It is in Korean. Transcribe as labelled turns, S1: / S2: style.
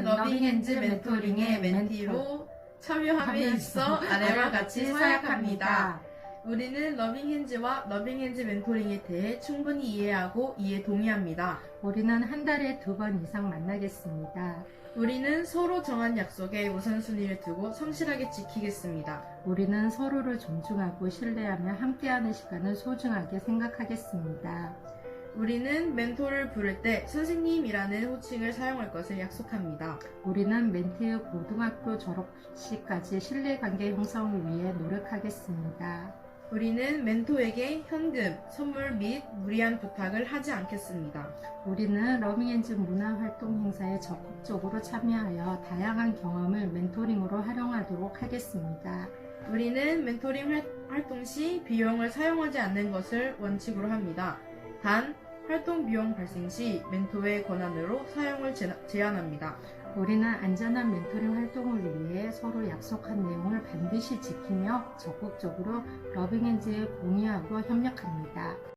S1: 러빙핸즈 멘토링의 멘티로 참여함에 있어 아래와 같이 서약합니다. 우리는 러빙핸즈와 러빙핸즈 멘토링에 대해 충분히 이해하고 이에 동의합니다.
S2: 우리는 한 달에 2번 이상 만나겠습니다.
S1: 우리는 서로 정한 약속에 우선순위를 두고 성실하게 지키겠습니다.
S2: 우리는 서로를 존중하고 신뢰하며 함께하는 시간을 소중하게 생각하겠습니다.
S1: 우리는 멘토를 부를 때 선생님이라는 호칭을 사용할 것을 약속합니다.
S2: 우리는 멘티의 고등학교 졸업 시까지 신뢰관계 형성을 위해 노력하겠습니다.
S1: 우리는 멘토에게 현금, 선물 및 무리한 부탁을 하지 않겠습니다.
S2: 우리는 러빙핸즈 문화활동 행사에 적극적으로 참여하여 다양한 경험을 멘토링으로 활용하도록 하겠습니다.
S1: 우리는 멘토링 활동 시 비용을 사용하지 않는 것을 원칙으로 합니다. 단, 활동 비용 발생 시 멘토의 권한으로 사용을 제한합니다.
S2: 우리는 안전한 멘토링 활동을 위해 서로 약속한 내용을 반드시 지키며 적극적으로 러빙핸즈에 공유하고 협력합니다.